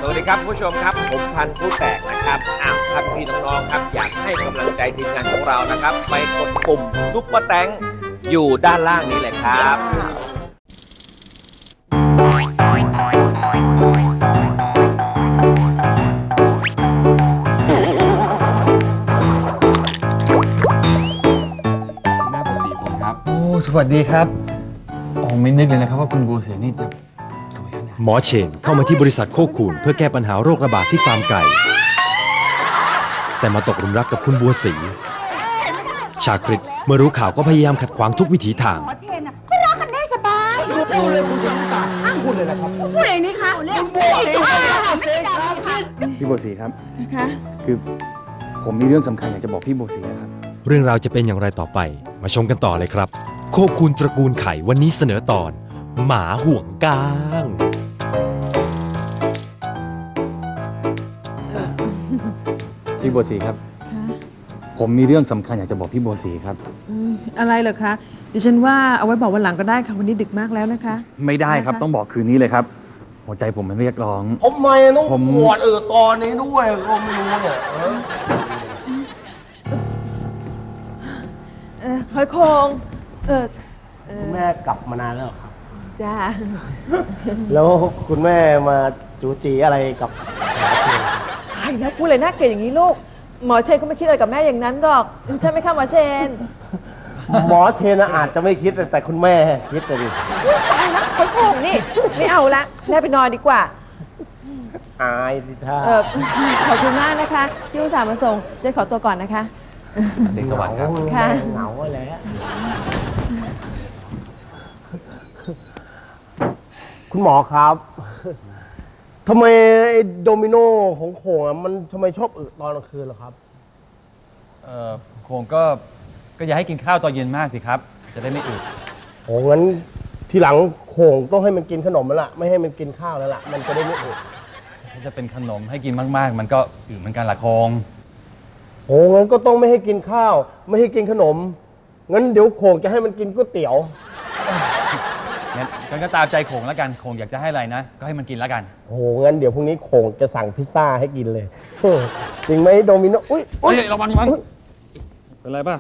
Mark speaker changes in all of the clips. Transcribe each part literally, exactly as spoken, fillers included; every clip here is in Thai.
Speaker 1: สวัสดีครับผู้ชมครับผมพันธุ์ผู้แตกนะครับอ้าวท่านพี่น้องๆครับอยากให้กำลังใจทีมงานของเรานะครับไปกดปุ่มซุปเปอร์แตงอยู่ด้านล่างนี้เลยครับ
Speaker 2: แม่บัวศรีผมครับโอ้สวัสดีครับโอ้ไม่นึกเลยนะครับว่าคุณบัวศรีนี่จะสวยขนาด
Speaker 3: หมอเชนเข้ามาที่บริษัทโคคูนเพื่อแก้ปัญหาโรคระบาดที่ฟาร์มไก่แต่มาตกหลุมรักกับคุณบัวศรีชาคริตเมื่อรู้ข่าวก็พยายามขัดขวางทุกวิถีทาง
Speaker 4: หมอเทนอ่ะก็รักกันได้สบายพูดเลยคุณต่างพูดเลยนะครับพูดเองนี่คะเรียกบัวศรี
Speaker 2: พี่บัวศรีครับ
Speaker 4: คะ
Speaker 2: คือผมมีเรื่องสำคัญอยากจะบอกพี่บัวศรีครับ
Speaker 3: เรื่องราวจะเป็นอย่างไรต่อไปมาชมกันต่อเลยครับโคคูนตระกูลไข่วันนี้เสนอตอนหมาห่วงก้าง
Speaker 2: พี่บัวศรีครับผมมีเรื่องสำคัญอยากจะบอกพี่บัวศรีครับ
Speaker 5: อะไรเหรอคะดิฉันว่าเอาไว้บอกวันหลังก็ได้ค่ะวันนี้ดึกมากแล้วนะคะ
Speaker 2: ไม่ได้ครับต้องบอกคืนนี้เลยครับหัวใจผมมันเรียกร้อง
Speaker 6: ทำไมต้องปวดเออตอนนี้ด้วยก็ไม่รู้เนี่ย
Speaker 5: เออหอยโคงเออ
Speaker 6: คุณแม่กลับมานานแล้วครับ
Speaker 5: จ้า
Speaker 6: แล้วคุณแม่มาจูจีอะไรกับหมอเชน
Speaker 5: ไอ้แล้วพูดเลยน่าเกลียดอย่างนี้ลูกหมอเชนก็ไม่คิดอะไรกับแม่อย่างนั้นหรอกใช่ไหมคะหมอเชน
Speaker 6: หมอเชนอาจจะไม่คิดแต่คุณแม่คิดเลยดิ
Speaker 5: ตายแล้วหอยโคงนี่ไม่เอาละแม่ไปนอนดีกว่า
Speaker 6: อายสิท่า
Speaker 5: เออขอบคุณมากนะคะที่อุตส่าห์มาส่งเจนขอตัวก่อนนะคะ
Speaker 1: ในสวรรค์ครับ
Speaker 5: ค่ะ
Speaker 6: เหงาแล้วคุณหมอครับทำไมไอ้โดมิโนของโขงอะมันทำไมชอบอึตอนกลางคืนล่ะครับ
Speaker 2: เอ่อโคงก็ก็อย่าให้กินข้าวตอนเย็นมากสิครับจะได้ไม่อึ
Speaker 6: โอ้งั้นทีหลังโขงต้องให้มันกินขนมแล้วล่ะไม่ให้มันกินข้าวแล้วล่ะมันจะได้ไม่อึ
Speaker 2: ถ้าจะเป็นขนมให้กินมากๆ มันก็อึเหมือนกันละโคง
Speaker 6: โอ้งั้นก็ต้องไม่ให้กินข้าว ไม่ให้กินขนมงั้นเดี๋ยวโขงจะให้มันกินก๋วยเตี๋ยว
Speaker 2: งั้นงั้นก็ตามใจโขงแล้วกันโขงอยากจะให้อะไรนะ ก็ให้มันกินแล้วกัน
Speaker 6: โอ้งั้นเดี๋ยวพรุ่งนี้โขงจะสั่งพิซซ่าให้กินเลยจริงไหมโดมิโนอุ้ย
Speaker 2: เฮ้ยระวังระวังเป็นไรป่ะ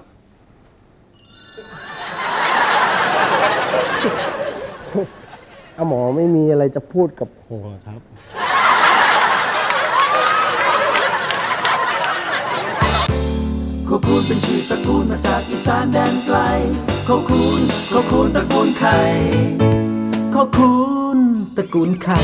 Speaker 6: อาหมอไม่มีอะไรจะพูดกับโขงครับ
Speaker 7: โคคูนเป็นชื่อตระกูลมาจากอีสานแดนไกลโคคูนโคคูนตระกูลไข่โคคูนตระกูลไข่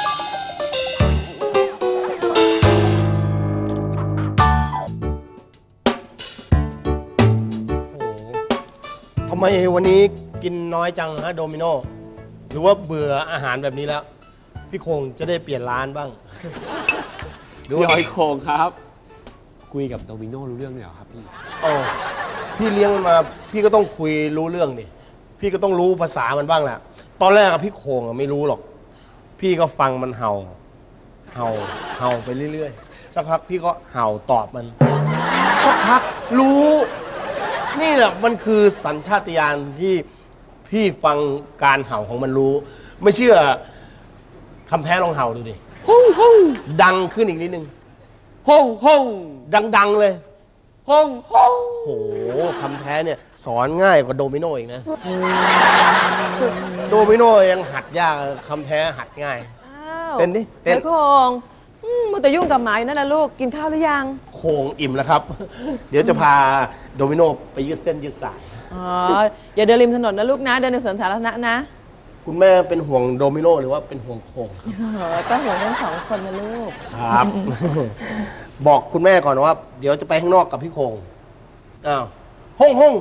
Speaker 6: ทำไมวันนี้กินน้อยจังฮะโดมิโนหรือว่าเบื่ออาหารแบบนี้แล้วพี่โคงจะได้เปลี่ยนร้านบ้าง
Speaker 1: พี่หอยโคงครับคุยกับโดมิโนรู้เรื่องเลยเหรอครับพี่
Speaker 6: โอ้พี่เลี้ยงมันมาพี่ก็ต้องคุยรู้เรื่องดิพี่ก็ต้องรู้ภาษามันบ้างแหละตอนแรกอะพี่โคงอะไม่รู้หรอกพี่ก็ฟังมันเห่าเห่าเห่าไปเรื่อยๆสักพักพี่ก็เห่าตอบมันสักพักรู้นี่แหละมันคือสัญชาตญาณที่พี่ฟังการเห่าของมันรู้ไม่เชื่อคำแท้ลองเห่าดูดิฮ่องฮ่องดังขึ้นอีกนิดนึงฮ่องฮ่องดังๆเลยฮ่องฮ่องโหคำแท้เนี่ยสอนง่ายกว่าโดมิโนอีกนะโดมิโนยังหัดยากคำแท้หัดง่ายเต้นดิเต้น
Speaker 5: หอยโคงมันแต่ยุ่งกับหมาอยู่นั่นแหละลูกกินข้าวหรือยัง
Speaker 6: โคงอิ่มแล้วครับเดี๋ยวจะพาโดมิโนไปยืดเส้นยืดสาย
Speaker 5: อ๋ออย่าเดินริมถนนนะลูกนะเดินในสวนสาธารณะนะ
Speaker 6: คุณแม่เป็นห่วงโดมิโนหรือว่าเป็นห่วงโคง
Speaker 5: ก็ห่วงทั้งสองคนนะลูก
Speaker 6: ครับบอกคุณแม่ก่อนว่าเดี๋ยวจะไปข้างนอกกับพี่โคงอ้าวฮ่องฮ่อง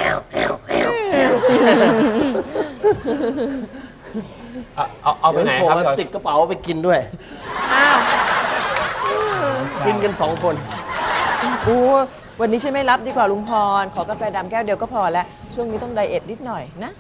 Speaker 1: เอาเอาไปไหนครับ
Speaker 6: ติดกระเป๋าไปกินด้วย
Speaker 5: อ้าว
Speaker 6: กินกันสองคน
Speaker 5: โอ้วันนี้ฉันไม่รับดีกว่าลุงพรขอกาแฟดำแก้วเดียวก็พอแล้วช่วงนี้ต้องไดเอทนิดหน่อยนะ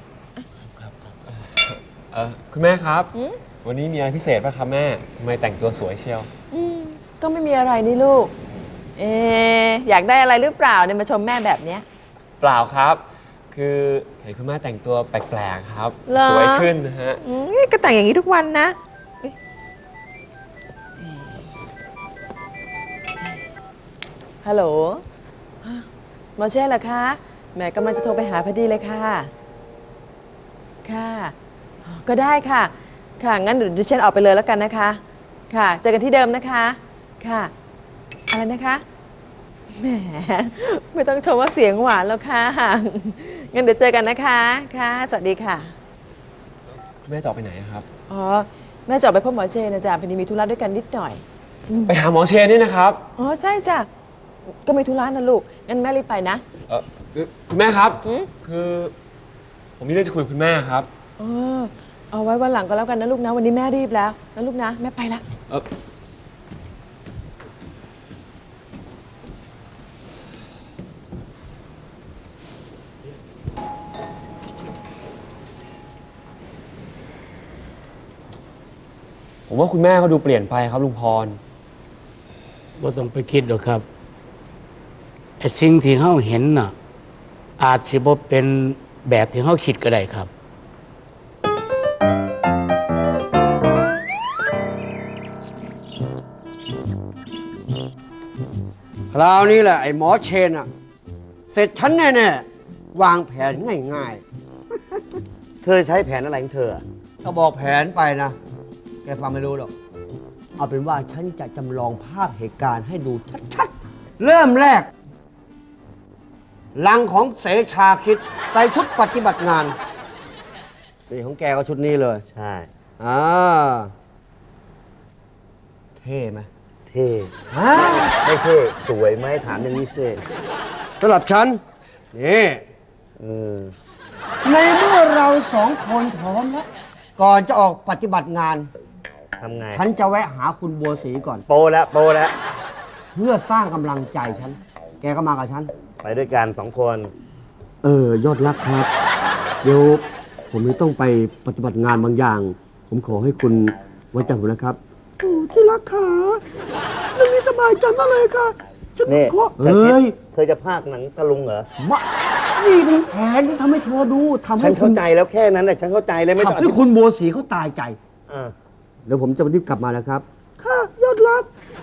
Speaker 1: เออคุณแม่ครับวันนี้มีอะไรพิเศษป่ะครับแม่ทำไมแต่งตัวสวยเชียว
Speaker 5: ก็ไม่มีอะไรนี่ลูกเอออยากได้อะไรหรือเปล่าเนี่ยมาชมแม่แบบเนี้ย
Speaker 1: เปล่าครับคือเห็นคุณแม่แต่งตัวแปลกๆครับสวยขึ้นนะฮะ
Speaker 5: ก็แต่งอย่างนี้ทุกวันนะฮัลโหลหมอเช่เหรอคะแหมกำลังจะโทรไปหาพอดีเลยค่ะค่ะก็ได้ค่ะค่ะงั้นเดี๋ยวดิฉันออกไปเลยแล้วกันนะคะค่ะเจอกันที่เดิมนะคะค่ะอะไรนะคะแหมไม่ต้องชมว่าเสียงหวานแล้วค่ะงั้นเดี๋ยวเจอกันนะคะค่ะสวัสดีค่ะ
Speaker 8: คุณแม่จะออกไปไหนอะครับ
Speaker 5: อ๋อแม่จะออกไปพบหมอเชนนะจ๊ะพอดีมีธุระด้วยกันนิดหน่อย
Speaker 8: ไปหาหมอเชนนี่นะครับ
Speaker 5: อ๋อใช่จ้ะก็มีธุระนะลูกงั้นแม่รีบไปนะ
Speaker 8: เออคือคุณแม่ครับ
Speaker 5: หืม
Speaker 8: คือ ผมมีเรื่องจะคุยกับคุณแม่ครับ
Speaker 5: อ๋อเอาไว้วันหลังก็แล้วกันนะลูกนะวันนี้แม่รีบแล้วนะลูกนะแม่ไปละ
Speaker 8: เออผมว่าคุณแม่เขาดูเปลี่ยนไปครับลุงพร
Speaker 9: บ่ต้องไปคิดหรอกครับไอ้สิ่งที่เขาเห็นน่ะ อาจสิบ่เป็นแบบที่เขาคิดก็ได้ครับ
Speaker 10: คราวนี้แหละไอ้หมอเชนอะเสร็จฉันแน่ๆวางแผนง่าย
Speaker 6: เธอใช้แผนอะไรของเธอ
Speaker 10: ๆถ้าบอกแผนไปนะ แกฟังไม่รู้หรอก เอาเป็นว่าฉันจะจำลองภาพเหตุการณ์ให้ดูชัดๆ เริ่มแรกลังของเสชาคิดใส่ชุดปฏิบัติงาน นี่ของแกก็ชุดนี้เลย
Speaker 6: ใช่
Speaker 10: อ่าเท่ไหม
Speaker 6: เท่
Speaker 10: ฮะ
Speaker 6: ไม่เท่สวยไหมถามอย่างนี้สิ
Speaker 10: สำหรับฉัน นี่
Speaker 6: เออ
Speaker 10: ในเมื่อเราสองคนพร้อมแล้ว ก่อนจะออกปฏิบัติงาน
Speaker 6: ทำไง
Speaker 10: ฉันจะแวะหาคุณบัวศรีก่อน
Speaker 6: โปแล้วโปแล้ว
Speaker 10: เพื่อสร้างกำลังใจฉัน แกก็มากับฉัน
Speaker 6: ไปด้วยกันสองคน
Speaker 10: เออยอดรักครับ เดี๋ยวผมจะต้องไปปฏิบัติงานบางอย่าง ผมขอให้คุณไว้ใจผมนะครับโอ้ที่รักขาเรื่องนี้สบายใจมากเลยค่ะฉัน
Speaker 6: นี่
Speaker 10: ขอ
Speaker 6: ชาคิด
Speaker 10: เฮ้ย
Speaker 6: เธอจะพากหนังตะลุงเหรอ
Speaker 10: มะนี่เป็นแผนที่ทำให้เธอดูทำ
Speaker 6: ฉั
Speaker 10: ให้
Speaker 6: น
Speaker 10: คุ
Speaker 6: เข้า
Speaker 10: ณ
Speaker 6: ใจแล้วแค่นั้นแหละฉันเข้าใจเลยไม่ต้อง
Speaker 10: ทำให้คุณบัวศรีเขาตายใจ
Speaker 6: อ่า
Speaker 10: เดี๋ยวผมจะรีบกลับมาแล้วครับ ค่ะยอดรัก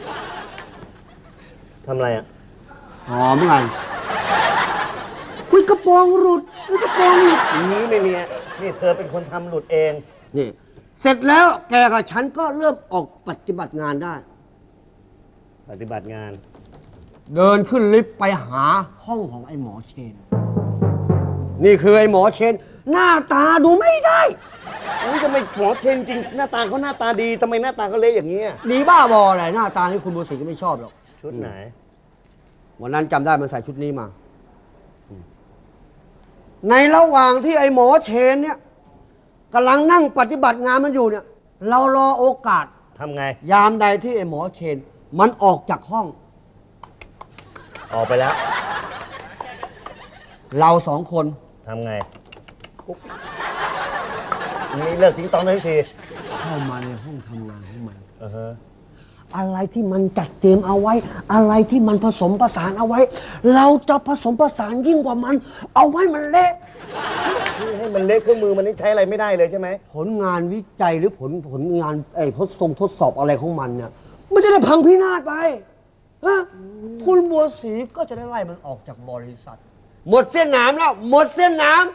Speaker 6: ทำอะไรอ่ะ
Speaker 10: หอมกันอุ้ยกระโปรงหลุดอุ้ยกระโปรงหลุด
Speaker 6: นี้ไม่มีอะนี่เธอเป็นคนทำหลุดเอง
Speaker 10: นี่เสร็จแล้วแกกับฉันก็เริ่มออกปฏิบัติงานได้
Speaker 6: ปฏิบัติงาน
Speaker 10: เดินขึ้นลิฟต์ไปหาห้องของไอ้หมอเชน นี่คือไอ้หมอเชน หน้าตาดูไม่ได้
Speaker 6: นี่ทำไมหมอเทนจริงหน้าตาเขาหน้าตาดีทำไมหน้าตาเขาเละอย่างนี้ย
Speaker 10: ดีบ้าบออะไรหน้าตาที่คุณบัวศรีก็ไม่ชอบหรอก
Speaker 6: ชุดไหน
Speaker 10: วันนั้นจำได้มันใส่ชุดนี้มา ในระหว่างที่ไอ้หมอเชนเนี่ยกำลังนั่งปฏิบัติงานมันอยู่เนี่ย เรารอโอกาส
Speaker 6: ทำไง
Speaker 10: ยามใดที่ไอ้หมอเชน มันออกจากห้อง
Speaker 6: ออกไปแล้ว
Speaker 10: เราสองคน
Speaker 6: ทำไงนี่เลิกทิ้งตองได้ที
Speaker 10: เข้ามาในห้องทำงานของมัน
Speaker 6: อือฮะ
Speaker 10: อะไรที่มันจัดเตรียมเอาไว้ อะไรที่มันผสมผสานเอาไว้ เราจะผสมผสานยิ่งกว่ามัน เอาไว้มันเละ
Speaker 6: นี่ให้มันเละเครื่องมือมันนี่ใช้อะไรไม่ได้เลยใช่ไหม
Speaker 10: ผลงานวิจัยหรือผลผลงานไอ้ทดทรงทดสอบอะไรของมันเนี่ยมันจะได้พังพินาศไปฮะคุณบัวศรีก็จะได้ไล่มันออกจากบริษัท หมดเส้นหนามแล้ว หมดเส้นหนาม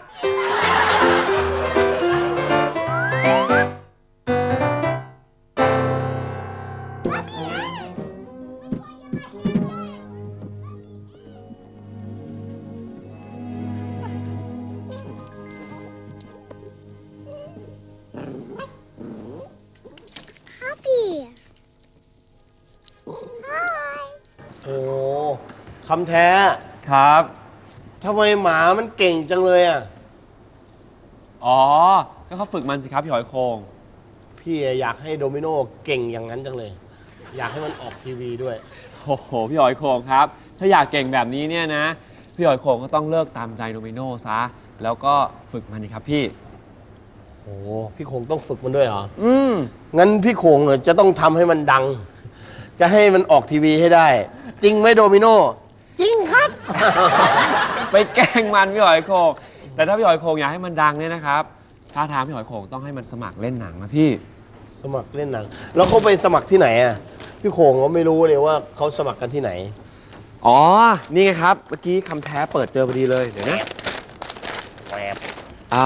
Speaker 6: โอ้คำแท้
Speaker 8: ครับ
Speaker 6: ทำไมหมามันเก่งจังเลยอ่ะ
Speaker 8: อ๋อ ก็เขาฝึกมันสิครับพี่หอยโคง
Speaker 6: พี่อยากให้โดมิโนเก่งอย่างนั้นจังเลย อยากให้มันออกทีวีด้วย
Speaker 8: โอ้โห พี่หอยโคงครับ ถ้าอยากเก่งแบบนี้เนี่ยนะ พี่หอยโคงก็ต้องเลิกตามใจโดมิโนซะ แล้วก็ฝึกมันนี่ครับพี่
Speaker 6: โอ้พี่โขงต้องฝึกมันด้วยเหรอ
Speaker 8: อืม
Speaker 6: งั้นพี่โขงเนี่ยจะต้องทำให้มันดัง จะให้มันออกทีวีให้ได้ จริงไหมโดมิโน จริงครับ
Speaker 8: ไปแกล้งมันพี่หอยโคง แต่ถ้าพี่หอยโคงอยากให้มันดังเนี่ยนะครับท่าทางพี่หอยโคงต้องให้มันสมัครเล่นหนังนะพี่
Speaker 6: สมัครเล่นหนัง แล้วเขาไปสมัครที่ไหนอ่ะ พี่โขงก็ไม่รู้เลยว่าเขาสมัครกันที่ไหน
Speaker 8: อ๋อ นี่ไงครับ เมื่อกี้คำแท้เปิดเจอพอดีเลย เดี๋ยวนะแวบอ่า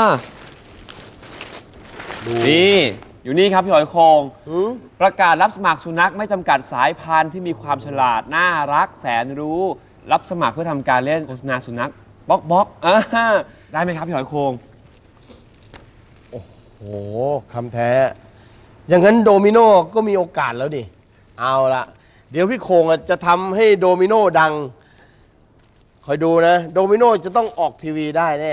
Speaker 8: นี่ อยู่นี่ครับพี่หอยโคงประกาศรับสมัครสุนัขไม่จำกัดสายพันธุ์ที่มีความฉลาด น่ารักแสนรู้ รับสมัครเพื่อทำการเล่นโฆษณาสุนัขบล็อกบล็อกอ่าได้ไหมครับพี่หอยโคง
Speaker 6: โอ้โหคำแท้ อย่างนั้นโดมิโนก็มีโอกาสแล้วดิ เอาละเดี๋ยวพี่โคงอ่ะจะทำให้โดมิโนดัง คอยดูนะ โดมิโนจะต้องออกทีวีได้แน่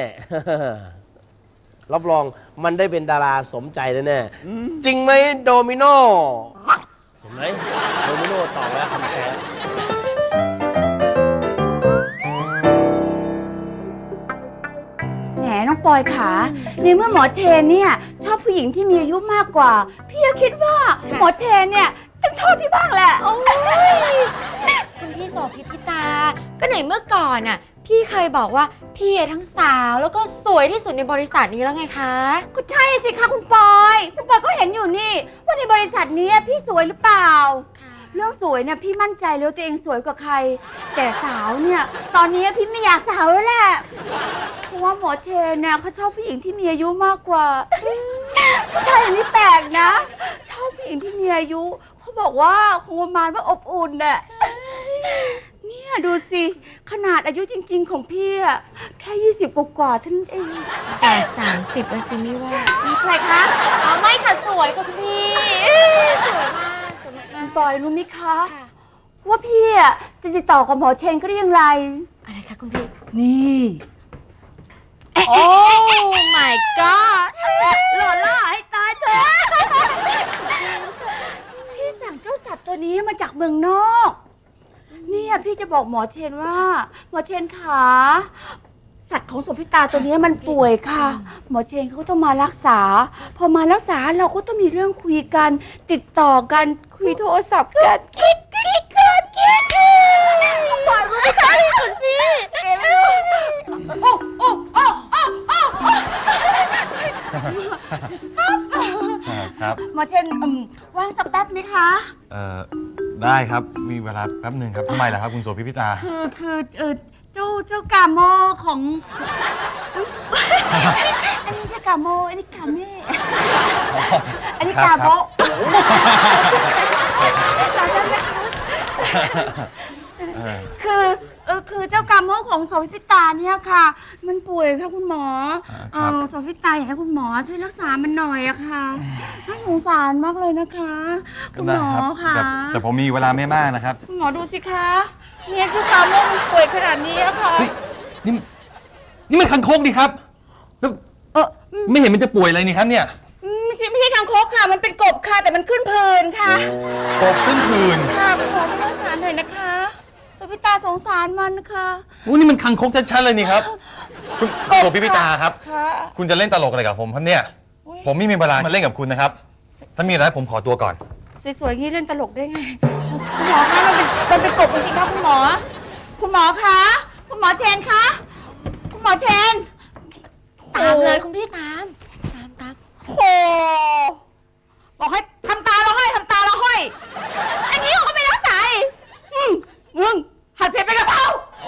Speaker 6: รับรองมันได้เป็นดาราสมใจแน่ๆจริงไหมโดมิโนเห็นไหมโดมิโนตอบแล้วคำแท้
Speaker 4: แหมน้องปอยขาในเมื่อหมอเชนเนี่ยชอบผู้หญิงที่มีอายุมากกว่า พี่ก็คิดว่าหมอเชนเนี่ยต้องชอบพี่บ้างแหละ
Speaker 11: โอ้ยคุณพี่โสภิตพี่ตา ก็ไหนเมื่อก่อนน่ะ พี่เคยบอกว่าพี่ทั้งสาวแล้วก็สวยที่สุดในบริษัทนี้แล้วไงคะ
Speaker 4: ก็ใช่สิคะคุณปอยคุณปอยก็เห็นอยู่นี่ว่าในบริษัทนี้พี่สวยหรือเปล่าเรื่องสวยเนี่ยพี่มั่นใจแล้วตัวเองสวยกว่าใคร แต่สาวเนี่ยตอนนี้พี่ไม่อยากสาวแล้วแหละเพราะว่าหมอเชนเนี่ยเขาชอบผู้หญิงที่มีอายุมากกว่าผู้ชายอย่างนี้แปลกนะชอบผู้หญิงที่มีอายุเขาบอกว่าคงประมาณว่าอบอุ่นน่ะเนี่ยดูสิขนาดอายุจริงๆของพี่อะแค่ยี่สิบกว่าๆเท่านั้นเอง
Speaker 11: แต่สามสิบแล้วสิไม่ว่า
Speaker 4: มีใครคะ
Speaker 11: อ๋อไม่ค่ะสวยค่ะคุณพี่สวยมากสวยมาก
Speaker 4: ปอยรู้ไหมคะว่าพี่อะจะติดต่อกับหมอเชนก็ได้อย่างไร
Speaker 11: อะไรคะคุณพี่
Speaker 4: นี่
Speaker 11: โอ้ my god
Speaker 4: หล่อล่อให้ตายเถอะพี่สั่งเจ้าสัตว์ตัวนี้มาจากเมืองนอกเนี่ยพี่จะบอกหมอเชนว่าหมอเชนขาสัตว์ของโสภิตาตัวนี้มันป่วยค่ะหมอเชนเขาต้องมารักษาพอมารักษาเราก็ต้องมีเรื่องคุยกันติดต่อกันคุยโทรศัพท์กันกิ๊กกิ๊กกันกิ๊กปล่อยรู้ไหมคุณพี่โอ้โอ้โอ้โอ้โอ้
Speaker 2: ครับ
Speaker 4: หมอเชนว่างสักแป๊บไหมคะ
Speaker 2: เอ่อ ได้ครับ มีเวลาแป๊บหนึ่งครับทำไมล่ะครับคุณโสภิพิตา
Speaker 4: คือคือเออเจ้าเจ้ากาโมของ อันนี้ไม่ใช่กาโมอันนี้กาเม่อันนี้กาโบคือเออคือเจ้ากาโมของโสภิตาเนี่ยค่ะ มันป่วยค่ะคุณหมอเออโสภิตาอยากให้คุณหมอช่วยรักษามันหน่อยอะค่ะน่าสงสารมากเลยนะคะคุณหมอค่ะ
Speaker 2: แต่ผมมีเวลาไม่มากนะครับ
Speaker 4: คุณหมอดูสิคะเนี่ยคือกาโมมันป่วยขนาดนี้อะค่ะ
Speaker 2: นี่นี่มันคังคกดิครับแล้วเออไม่เห็นมันจะป่วยอะไรนี่ครับเนี่ย
Speaker 4: ไม่ใช่ไม่ใช่คางคกค่ะมันเป็นกบค่ะแต่มันขึ้นเพลินค่ะ
Speaker 2: กบขึ้นเพลิน
Speaker 4: ค่ะคุณหมอช่วยรักษาหน่อยนะคะโสภิตาสงสารมันนะคะ
Speaker 2: โอ้นี่มันคังคกชัดๆเลยนี่ครับคุณโสภิตาครับคุณจะเล่นตลกอะไรกับผมครับเนี่ยผมไม่มีเวลามาเล่นกับคุณนะครับถ้ามีอะไรผมขอตัวก่อน
Speaker 4: สวยๆงี้เล่นตลกได้ไงคุณหมอคะมันเป็นมันเป็นกบจริงๆครับคุณหมอคุณหมอคะคุณหมอเชนคะคุณหมอเชน
Speaker 11: ตามเลยคุณพี่ตามตามตาม
Speaker 4: โอ้บอกให้ทำตาเราห้อยทำตาเราห้อยอันนี้เขาก็ไม่รักษาอีกมึงหัดเผ็ดไปกะเพรา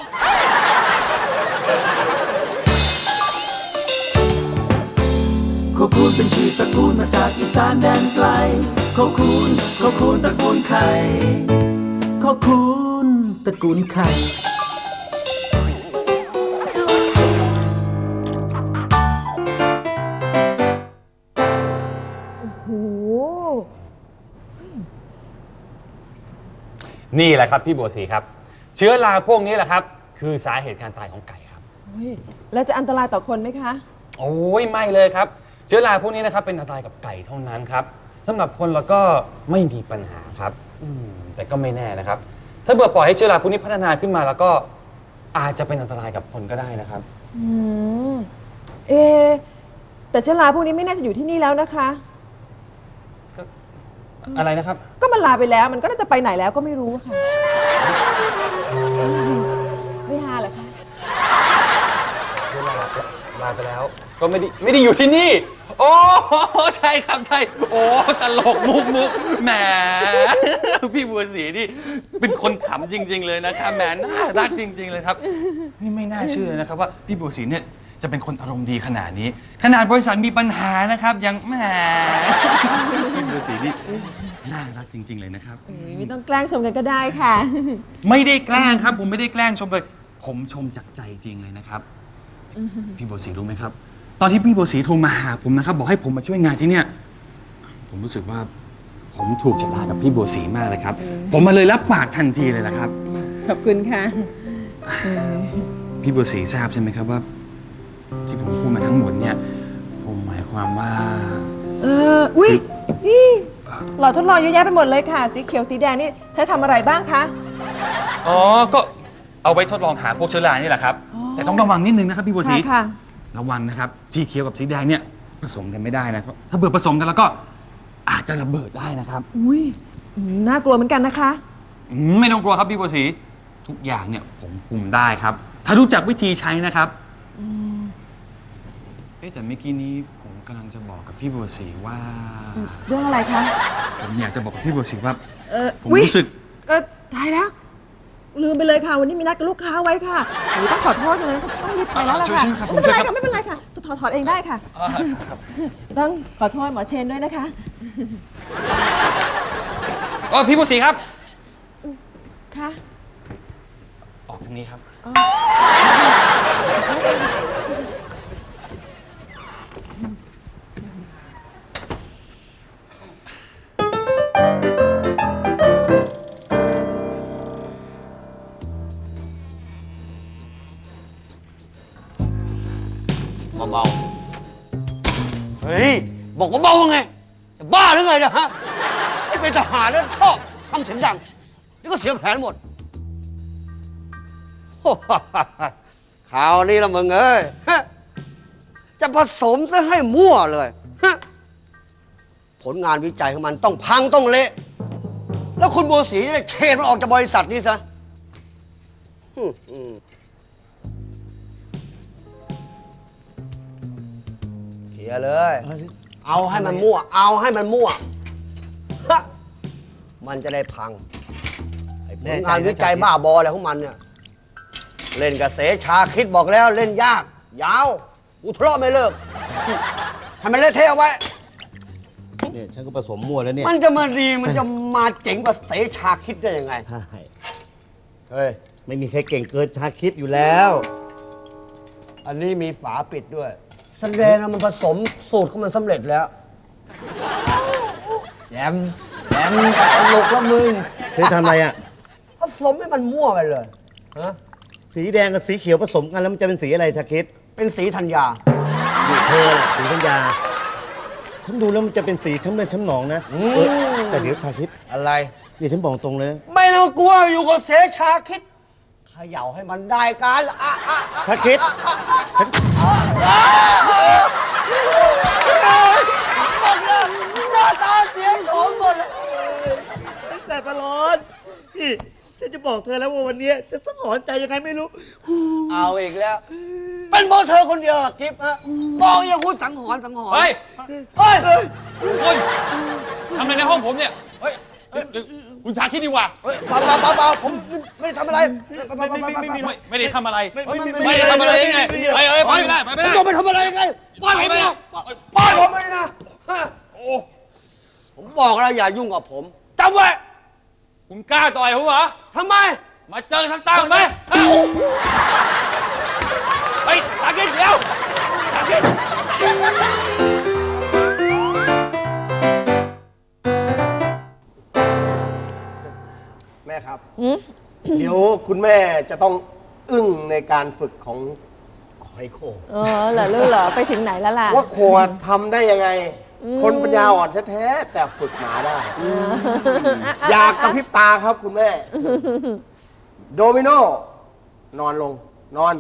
Speaker 7: โคคูนเป็นชื่อตระกูลมาจากอีสานแดนไกลโคคูนโคคูนตระกูลไข่โคคูนตระกูลไข่
Speaker 2: นี่แหละครับพี่บัวศรีครับเชื้อราพวกนี้แหละครับคือสาเหตุการตายของไก่ครับ
Speaker 5: แล้วจะอันตรายต่อคนไหมคะ
Speaker 2: โอ้ยไม่เลยครับเชื้อราพวกนี้นะครับเป็นอันตรายกับไก่เท่านั้นครับสำหรับคนเราก็ไม่มีปัญหาครับแต่ก็ไม่แน่นะครับถ้าเบื่อปล่อยให้เชื้อราพวกนี้พัฒนาขึ้นมาแล้วก็อาจจะเป็นอันตรายกับคนก็ได้นะครับ
Speaker 5: อืมเอแต่เชื้อราพวกนี้ไม่น่าจะอยู่ที่นี่แล้วนะคะ
Speaker 2: อะไรนะครับ
Speaker 5: ก็มันลาไปแล้วมันก็น่าจะไปไหนแล้วก็ไม่รู้ค่ะไม่ฮาเหรอคะ
Speaker 2: เชื้อราลาไปแล้วก็ก็ไม่ได้ไม่ได้อยู่ที่นี่ โอ้ใช่ครับใช่โอ้ตลกมุกมุกแหมพี่บัวศรีนี่เป็นคนขำจริง ๆ เลยนะครับแหมน่ารักจริง ๆ เลยครับนี่ไม่น่าเชื่อนะครับว่าพี่บัวศรีเนี่ยจะเป็นคนอารมณ์ดีขนาดนี้ ขนาดบริษัทมีปัญหานะครับยังแหมพี่บัวศรีนี่น่ารักจริง ๆ เลยนะครับ
Speaker 5: ไม่ต้องแกล้งชมกันก็ได้ค่ะ
Speaker 2: ไม่ได้แกล้งครับผมไม่ได้แกล้งชมเลยผมชมจากใจจริงเลยนะครับพี่บัวศรีรู้ไหมครับตอนที่พี่บัวศรีโทรมาหาผมนะครับบอกให้ผมมาช่วยงานที่เนี่ยผมรู้สึกว่าผมถูกชะตากับพี่บัวศรีมากเลยครับผมมาเลยรับปากทันทีเลยนะครับ
Speaker 5: ขอบคุณค่ะ
Speaker 2: พี่บัวศรีทราบใช่ไหมครับว่า ที่ผมพูดมาทั้งหมดเนี่ยผมหมายความว่า
Speaker 5: เอออุ้ยนี่หลอดทดลองเยอะแยะไปหมดเลยค่ะ สีเขียวสีแดงนี่ใช้ทำอะไรบ้างคะ
Speaker 2: อ๋อก็เอาไว้ทดลองหาพวกเชื้อรานี่แหละครับแต่ต้องระวังนิดนึงนะครับพี่บัวศรี
Speaker 5: ค่ะ
Speaker 2: ระวังนะครับสีเขียวกับสีแดงเนี่ยผสมกันไม่ได้นะครับถ้าเบื่อผสมกันแล้วก็อาจจะระเบิดได้นะครับ
Speaker 5: อุ้ยอืมน่ากลัวเหมือนกันนะคะ
Speaker 2: อืมไม่ต้องกลัวครับพี่บัวศรีทุกอย่างเนี่ยผมคุมได้ครับ ถ้ารู้จักวิธีใช้นะครับเอ๊ะแต่เมื่อกี้นี้ผมกำลังจะบอกกับพี่บัวศรีว่า
Speaker 5: เรื่องอะไรคะ
Speaker 2: ผมอยากจะบอกกับพี่บัวศรีว่า
Speaker 5: เออ
Speaker 2: ผม
Speaker 5: อุ๊ย
Speaker 2: รู้สึก
Speaker 5: เออตายแล้ว ลืมไปเลยค่ะ วันนี้มีนัดกับลูกค้าไว้ค่ะหนูต้องขอโทษอย่างนั้นต้องรีบไปแล้วล่ะ
Speaker 2: ช่วย
Speaker 5: ค่ะ
Speaker 2: ช่วยครับผม
Speaker 5: ไม่เป็นไร
Speaker 2: ช่วยครั
Speaker 5: ค่ะ
Speaker 2: บ
Speaker 5: ไม่เป็นไรค่ะถอดถอดเองได้ค่ะ ต้องขอโทษหมอเชนด้วยนะคะ
Speaker 2: เออพี่บัวศรีครับ
Speaker 5: ค่ะ
Speaker 2: ออกทางนี้ครับ
Speaker 10: เบาๆเฮ้ย บอกว่าเบาไง จะบ้าหรือไงเนะฮะไอ้เป็นทหารแล้วชอบทำเสียงดัง นี่ก็เสียแผนหมด ข่าวนี้ละมึงเอ้ยฮะจะผสมซะให้มั่วเลยฮะผลงานวิจัยของมันต้องพังต้องเละ แล้วคุณบัวศรีจะได้เชนมันออกจากบริษัทนี้ซะอืมอืมเคลียร์เลย เอาให้มันมั่ว เอาให้มันมั่วฮะมันจะได้พังไอ้ผลงานวิจัยบ้าบออะไรของมันเนี่ย เล่นกับเสชาคิดบอกแล้วเล่นยาก ยาวอุทะเลาะไม่เลิกให้มันเละเทะเอาไว้
Speaker 6: เนี่ยฉันก็ผสมมั่วแล้วเนี่ย
Speaker 10: มันจะมาดีมันจะมาเจ๋งกว่าเสชาคิดได้ยังไง
Speaker 6: ใช่
Speaker 10: เฮ้ย
Speaker 6: ไม่มีใครเก่งเกินชาคิดอยู่แล้ว
Speaker 10: อันนี้มีฝาปิดด้วย แสดงว่ามันผสมสูตรของมันสำเร็จแล้วแจมแจมตลกแล้วมึง
Speaker 6: เธอทำอะไรอ่ะ
Speaker 10: ผสมให้มันมั่วไปเลยฮะ
Speaker 6: สีแดงกับสีเขียวผสมกันแล้วมันจะเป็นสีอะไรชาคิด
Speaker 10: เป็นสีธัญญา
Speaker 6: นี่เธอน่ะสีธัญญาฉันดูแล้วมันจะเป็นสีช้ำเลือดช้ำหนองนะ
Speaker 10: อืม
Speaker 6: เออแต่เดี๋ยวชาคิด
Speaker 10: อะไร
Speaker 6: เดี๋ยวฉันบอกตรงเลยนะ
Speaker 10: ไม่ต้องกลัวอยู่กับเสชาคิดเขย่าให้มันได้การอ่ะอ่ะอ่ะ
Speaker 6: ชาคิดฉัน
Speaker 10: หมดเลยหน้าตาเสียงโฉมหมดเลย
Speaker 6: แสบประหลอดพี่ฉันจะบอกเธอแล้วว่าวันนี้จะสังหรณ์ใจยังไงไม่รู้
Speaker 10: เอาอีกแล้ว เป็นเพราะเธอคนเดียวอะกิฟต์ฮะบอกอย่างกูสังหรณ์สังหรณ์
Speaker 8: เฮ้ย
Speaker 10: เฮ้ย
Speaker 8: คุณทำอะไรในห้องผมเนี่ย
Speaker 10: เฮ้ย
Speaker 8: คุณชาคิดดีกว่า
Speaker 10: เฮ้ยเบาเบาเบาเบาผมไม่ได้ทำอะไรเบาเบาเบาเบาเบา
Speaker 8: ไม่ไม่ได้ทำอะไร
Speaker 10: ไม่ไม่
Speaker 8: ไม่ได้ทำอะไรยังไงไปเอ้ยไปไม่ได้ไปไม่ได้
Speaker 10: ผมจะไปทำอะไรยังไงปล่อยผมนะปล่อยผมเลยนะฮะผมบอกแล้วอย่ายุ่งกับผมจำไว้
Speaker 8: คุณกล้าต่อยผมเหรอ
Speaker 10: ทำไม
Speaker 8: มาเจอทางตาไหมเฮ้ยชาคิดเดี๋ยวชาคิด
Speaker 6: แม่ครับ เดี๋ยวคุณแม่จะต้องอึ้งในการฝึกของหอยโข่ง
Speaker 5: เออเหรอลูกเหรอไปถึงไหนแล้วล่ะ
Speaker 6: ว่าโคงทำได้ยังไง คนปัญญาอ่อนแท้ๆแต่ฝึกหมาได้ อยากกระพริบตาครับคุณแม่ โดมิโน นอนลง นอน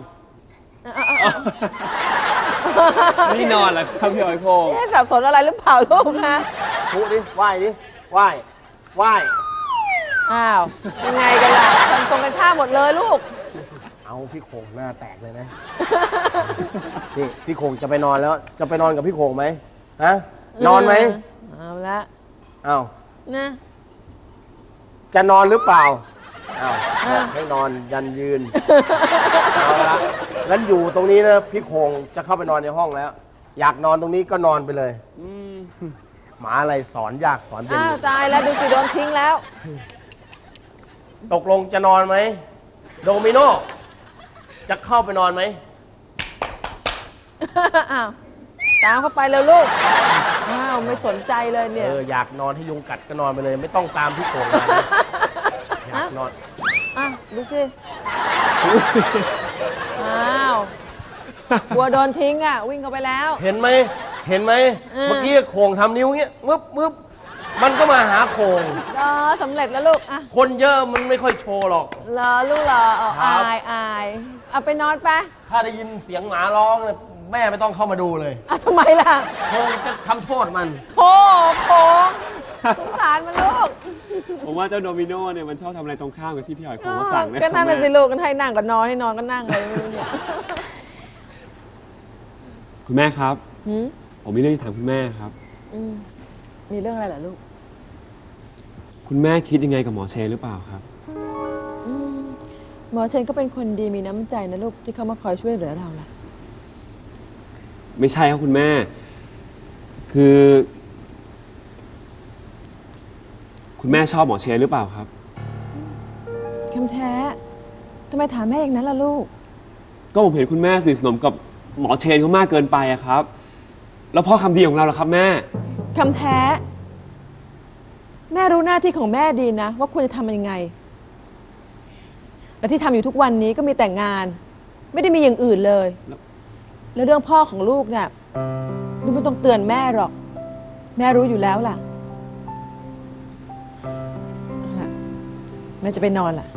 Speaker 8: นี่นอนเหรอครับพี่หอยโคง
Speaker 5: เอ๊ะสับสนอะไรหรือเปล่าลูกคะ
Speaker 6: พูดดิ ไหว้ดิ ไหว้ ไหว้
Speaker 5: อ้าวยังไงกันล่ะทำตรงกันข้ามหมดเลยลูก
Speaker 6: เอาพี่โขงหน้าแตกเลยนะ นี่พี่โขงจะไปนอนแล้ว จะไปนอนกับพี่โขงไหมฮะนอนไหม
Speaker 5: เอาละ
Speaker 6: อ้าว
Speaker 5: นะ
Speaker 6: จะนอนหรือเปล่าอ้าวบอกให้นอนยันยืน เอาละงั้นอยู่ตรงนี้นะพี่โขงจะเข้าไปนอนในห้องแล้ว อยากนอนตรงนี้ก็นอนไปเลยหมาอะไรสอนยากสอนเป็น
Speaker 5: อ้าวตายแล้วดูสิโดนทิ้งแล้ว
Speaker 6: ตกลงจะนอนไหมโดมิโนจะเข้าไปนอนไหม
Speaker 5: อ้าวตามเข้าไปแล้วลูก อ้าวไม่สนใจเลยเนี่ย
Speaker 6: เอออยากนอนให้ยุงกัดก็นอนไปเลย ไม่ต้องตามพี่โขงมานะอยากนอน
Speaker 5: อ่ะดูสิ อ้าวกลัวโดนทิ้งอ่ะ วิ่งเข้าไปแล้ว
Speaker 6: เห็นไหมเห็นไหม
Speaker 5: เออ
Speaker 6: เมื่อกี้โขงทำนิ้วเงี้ยมึบมึบมันก็มาหาโขง
Speaker 5: อ๋อสำเร็จแล้วลูก อ่ะ
Speaker 6: คนเยอะมันไม่ค่อยโชว์หรอก
Speaker 5: รอลูกรอเอา
Speaker 6: ครับ
Speaker 5: อายอายเอาไปนอนไป
Speaker 6: ถ้าได้ยินเสียงหมาร้องเนี่ยแม่ไม่ต้องเข้ามาดูเลย
Speaker 5: อ่ะทำไมล่ะ
Speaker 6: โขงจะทำโทษมัน
Speaker 5: โธ่โค้งสงสารมันลูก
Speaker 8: ผมว่าเจ้าโดมิโนเนี่ยมันชอบทำอะไรตรงข้ามกับที่พี่หอยโขงเขาสั่งนะ
Speaker 5: ก็นั่น
Speaker 8: ครั
Speaker 5: น่ะ
Speaker 8: บ
Speaker 5: สิ
Speaker 8: แม่
Speaker 5: ลูกกันให้นั่งก็นอนให้นอนก็นั่งเลยไม่รู้เนี่ย
Speaker 8: คุณแม่ครับ
Speaker 5: หืม
Speaker 8: ผมมีเรื่องจะถามคุณแม่ครับ
Speaker 5: อืมมีเรื่องอะไรเหรอลูก
Speaker 8: คุณแม่คิดยังไงกับหมอเชนหรือเปล่าครับ
Speaker 5: อืมหมอเชนก็เป็นคนดีมีน้ำใจนะลูกที่เขามาคอยช่วยเหลือเราล่ะ
Speaker 8: ไม่ใช่ครับคุณแม่ คือ คุณแม่ชอบหมอเชนหรือเปล่าครับ
Speaker 5: คำแท้ทำไมถามแม่อย่างนั้นล่ะลูก
Speaker 8: ก็ผมเห็นคุณแม่สนิทสนมกับหมอเชนเขามากเกินไปอะครับ แล้วพ่อคำดีของเราล่ะครับแม่
Speaker 5: คำแท้ แม่รู้หน้าที่ของแม่ดีนะ ว่าควรจะทำยังไง และที่ทำอยู่ทุกวันนี้ก็มีแต่งงาน ไม่ได้มีอย่างอื่นเลย แล้วเรื่องพ่อของลูกเนี่ยดูไม่ต้องเตือนแม่หรอก แม่รู้อยู่แล้วล่ะเอาล่ะแม่จะไปนอนล่ะ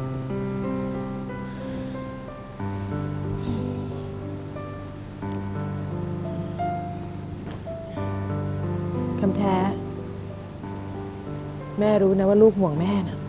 Speaker 5: คำแท้ แม่รู้นะว่าลูกห่วงแม่นะ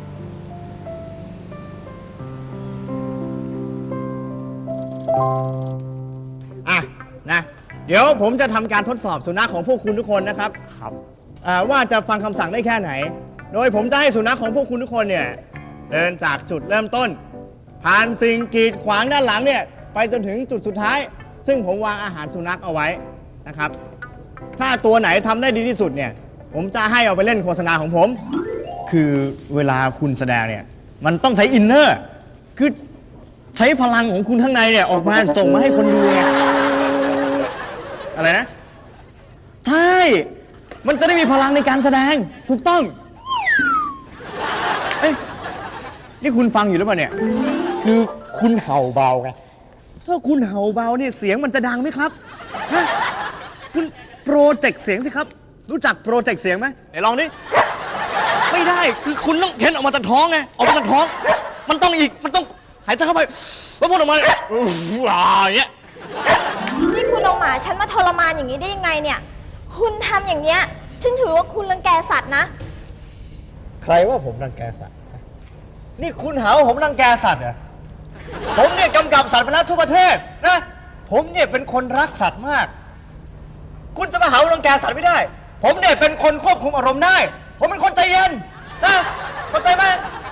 Speaker 12: อ่ะนะเดี๋ยวผมจะทำการทดสอบสุนัขของพวกคุณทุกคนนะครับครับว่าจะฟังคำสั่งได้แค่ไหน โดยผมจะให้สุนัขของพวกคุณทุกคนเนี่ยเดินจากจุดเริ่มต้น ผ่านสิ่งกีดขวางด้านหลังเนี่ยไปจนถึงจุดสุดท้าย ซึ่งผมวางอาหารสุนัขเอาไว้นะครับถ้าตัวไหนทำได้ดีที่สุดเนี่ยผมจะให้เอาไปเล่นโฆษณาของผม คือเวลาคุณแสดงเนี่ยมันต้องใช้อินเนอร์คือใช้พลังของคุณข้างในเนี่ยออกมาส่งมาให้คนดูไงอะไรนะใช่มันจะได้มีพลังในการแสดงถูกต้องเอ้ยนี่คุณฟังอยู่หรือเปล่าเนี่ยคือคุณเห่าเบาไงถ้าคุณเห่าเบาเนี่ยเสียงมันจะดังไหมครับฮะคุณโปรเจกต์เสียงสิครับรู้จักโปรเจกต์เสียงไหมไหนลองดิไม่ได้คือคุณต้องเค้นออกมาจากท้องไงออกมาจากท้องมันต้องอีกมันต้องหายใจเข้าไปแล้วพูดออกมาอย่างเงี้ย
Speaker 13: นี่คุณเอาหมาฉันมาทรมานอย่างนี้ได้ยังไงเนี่ย คุณทำอย่างเนี้ยฉันถือว่าคุณรังแกสัตว์นะ
Speaker 12: ใครว่าผมรังแกสัตว์ นี่คุณหาว่าผมรังแกสัตว์เหรอ ผมเนี่ยกำกับสัตว์มาแล้วทั่วประเทศนะ ผมเนี่ยเป็นคนรักสัตว์มาก คุณจะมาหาว่ารังแกสัตว์ไม่ได้ ผมเนี่ยเป็นคนควบคุมอารมณ์ได้ ผมเป็นคนใจเย็นนะเข้าใจไหม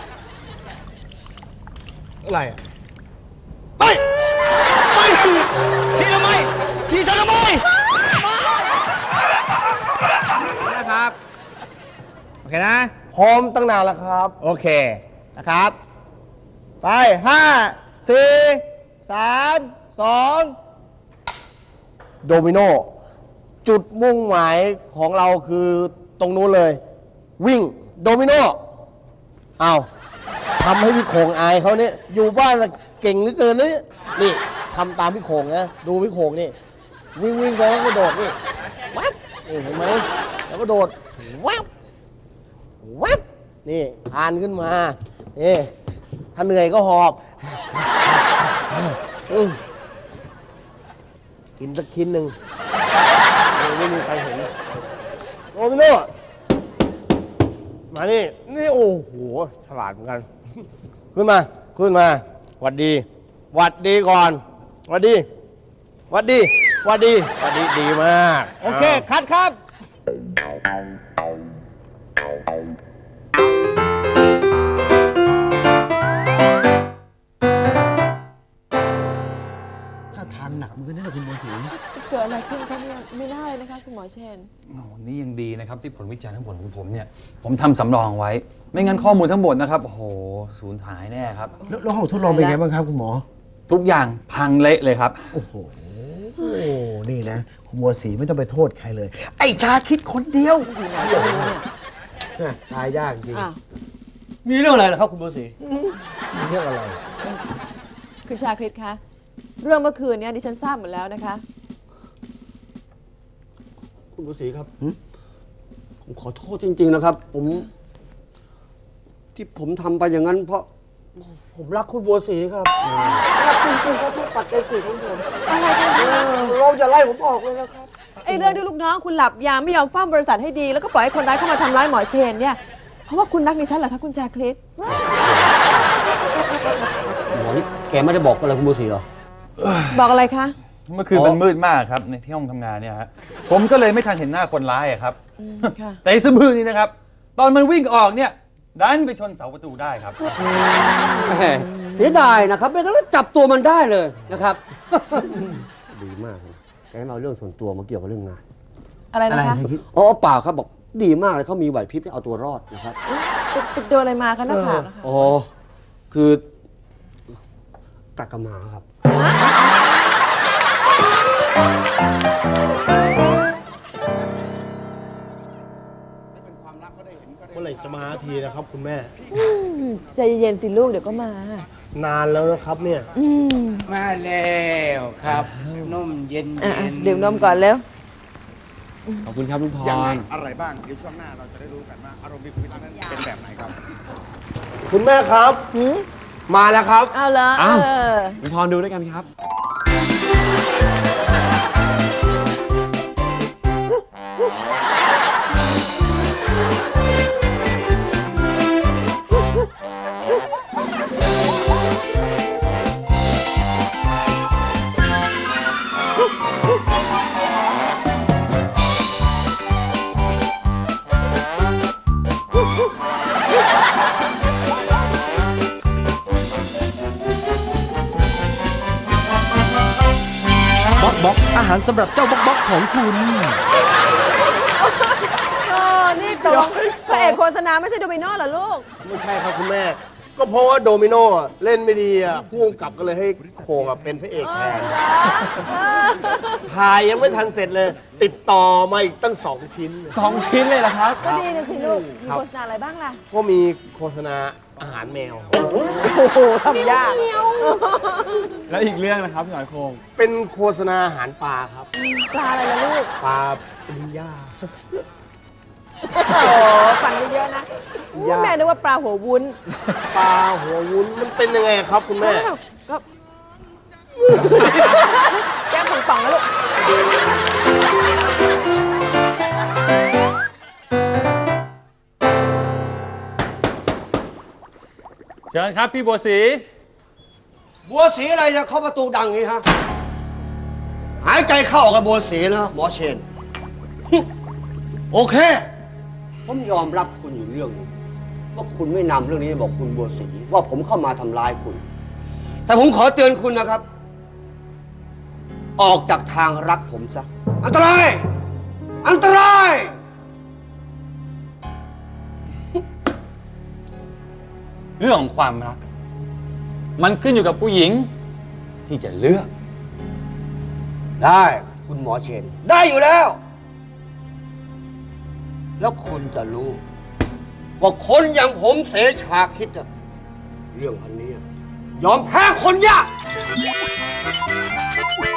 Speaker 12: อะไรอ่ะไปไปชี้ทำไมชี้ฉันทำไมนะครับ โอเคนะ
Speaker 6: พร้อมตั้งนานแล้วครับ
Speaker 12: โอเคนะครับ ไปห้าสี่สามสอง
Speaker 6: โดมิโนจุดมุ่งหมายของเราคือตรงนู้นเลย วิ่งโดมิโนเอาทำให้พี่โขงอายเขาเนี่ยอยู่บ้านน่ะเก่งเหลือเกินเลยนี่ทำตามพี่โขงนะดูพี่โขงนี่วิ่งวิ่งไปแล้วก็โดดนี่แวบนี่เห็นไหมแล้วก็โดดแวบแวบนี่คานขึ้นมานี่ถ้าเหนื่อยก็หอบอืมกินสักชิ้นหนึ่งไม่มีใครเห็นโอ้พี่โน่มานี่นี่โอ้โหฉลาดเหมือนกันขึ้นมาขึ้นมาหวัดดีหวัดดีก่อนหวัดดีหวัดดีหวัดดีหวัดดีดีมาก
Speaker 12: โอเค คัดครับ
Speaker 10: ถ้าทางหนักเหมือนกันนะคุณบัวศรี
Speaker 5: เกิดอะไรขึ้นคะเนี่ยไม่น่าเลยนะคะคุณหมอเชน
Speaker 2: โอ้นี่ยังดีนะครับที่ผลวิจัยทั้งหมดของผมเนี่ยผมทำสำรองไว้ ไม่งั้นข้อมูลทั้งหมดนะครับโอ้โหสูญหายแน่ครับ
Speaker 10: แล้วแล้วห้องทดลองเป็นไงบ้างครับคุณหมอ
Speaker 2: ทุกอย่างพังเละเลยครับ
Speaker 10: โอ้โห นี่นะ คุณบัวศรีไม่ต้องไปโทษใครเลย ไอ้ชาคิดคนเดียวตายยากจริง
Speaker 5: อ้าว
Speaker 10: มีเรื่องอะไรเหรอครับคุณบัวศรีมีเรื่องอะไร
Speaker 5: คุณชาคริตคะเรื่องเมื่อคืนเนี้ดิฉันทราบหมดแล้วนะคะ
Speaker 10: คุณบัวศรีครับ ผมขอโทษจริง ๆ นะครับ ผม ที่ผมทำไปอย่างนั้น เพราะ ผมรักคุณบัวศรีครับรักจริงๆครับเพื่อปัจจัยสี่ของผม
Speaker 5: อะไรกันคะ
Speaker 10: เราจะไล่ผมออกเลยนะครับ
Speaker 5: ไอ้เรื่องที่ลูกน้องคุณหลับยามไม่ยอมเฝ้าบริษัทให้ดี แล้วก็ปล่อยให้คนร้ายเข้ามาทำร้ายหมอเชนเนี่ยเพราะว่าคุณรักดิฉันเหรอคะคุณชาคริต
Speaker 10: หมอนี่แกไม่ได้บอกอะไรคุณบัวศรีเหรอ
Speaker 5: บอกอะไรคะ
Speaker 2: เมื่อคืนมันมืดมากครับในที่ห้องทำงานเนี่ยฮะผมก็เลยไม่ทันเห็นหน้าคนร้ายอะครับ
Speaker 5: ค่ะ
Speaker 2: แต่ไอ้สะบือนี่นะครับ ตอนมันวิ่งออกเนี่ยดันไปชนเสาประตูได้ครับ
Speaker 10: แหมเสียดายนะครับไม่งั้นเราจับตัวมันได้เลยนะครับ ดีมากนะแกให้มาเอาเรื่องส่วนตัวมาเกี่ยวกับเรื่องงาน
Speaker 5: อะไรนะคะ
Speaker 10: อ๋อเปล่าครับบอกดีมากเลยเขามีไหวพริบที่เอาตัวรอดนะครับ
Speaker 5: ไปไปโดนอะไรมาคะหน้าผากอะคะ
Speaker 10: อ๋อคือกัดกระหมาครับ
Speaker 6: เมื่อไหร่จะมาทีนะครับคุณแม่
Speaker 5: อืมใจเย็นๆสิลูกเดี๋ยวก็มา
Speaker 6: นานแล้วนะครับเนี่ย
Speaker 5: อืม
Speaker 9: มาแล้วครับนมเย็น
Speaker 5: อ่ะๆดื่มนมก่อนเร็ว
Speaker 8: ขอบคุณครับลุงพร
Speaker 12: อะไรบ้าง เดี๋ยวช่วงหน้าเราจะได้รู้กันว่าอารมณ์ของนั้นเป็นแบบไหนครับ
Speaker 6: คุณแม่ครับ
Speaker 5: หืม
Speaker 6: มาแล้วครับ
Speaker 5: เอาเหรอเอ
Speaker 8: อ้าว
Speaker 5: อ
Speaker 8: ลุงพรดูด้วยกันครับ
Speaker 3: บ๊อกบ๊อกอาหารสำหรับเจ้าบ๊อกบ๊อกของคุณ
Speaker 5: เออนี่ตกลงพระเอกโฆษณาไม่ใช่โดมิโนเหรอลูก
Speaker 6: ไม่ใช่ครับคุณแม่ ก็เพราะว่าโดมิโนอ่ะเล่นไม่ดีอ่ะผู้กำกับก็เลยให้โคงอ่ะเป็นพระเอกแทนถ่ายยังไม่ทันเสร็จเลย ติดต่อมาอีกตั้งสองชิ้น
Speaker 8: สองชิ้นเลยเหรอครับ
Speaker 5: ก็ดีนะสิลูก มี
Speaker 6: ครับ
Speaker 5: โฆษณาอะไรบ้างล่ะ
Speaker 6: ก็มีโฆษณาอาหารแมว
Speaker 5: โอ้โหทำยาก
Speaker 8: แล้วอีกเรื่องนะครับพี่หอยโคง
Speaker 6: เป็นโฆษณาอาหารปลาครับ
Speaker 5: ปลาอะไรล่ะลูก
Speaker 6: ปลาปริญญา
Speaker 5: โอ้โหฟันเยอะๆนะอู้
Speaker 6: ยาก
Speaker 5: แม่นึกว่าปลาหัววุ้น
Speaker 6: ปลาหัววุ้นมันเป็นยังไงครับคุณแม่
Speaker 5: อ้าวก็ แก้มป่องๆนะลูก
Speaker 2: เชิญครับพี่บัวศรี
Speaker 10: บัวศรีอะไรจะเคาะประตูดังอย่างนี้ฮะ หายใจเข้าออกกับบัวศรีนะหมอเชน โอเค ผมยอมรับคุณอยู่เรื่องหนึงว่าคุณไม่นำเรื่องนี้บอกคุณบัวศรีว่าผมเข้ามาทำร้ายคุณ แต่ผมขอเตือนคุณนะครับ ออกจากทางรักผมซะ อันตราย อันตราย
Speaker 2: เรื่องของความรัก มันขึ้นอยู่กับผู้หญิงที่จะเลือก
Speaker 10: ได้คุณหมอเชน ได้อยู่แล้ว แล้วคุณจะรู้ ว่าคนอย่างผมเสชาคิดอะเรื่องพันนี้อะยอมแพ้คนยาก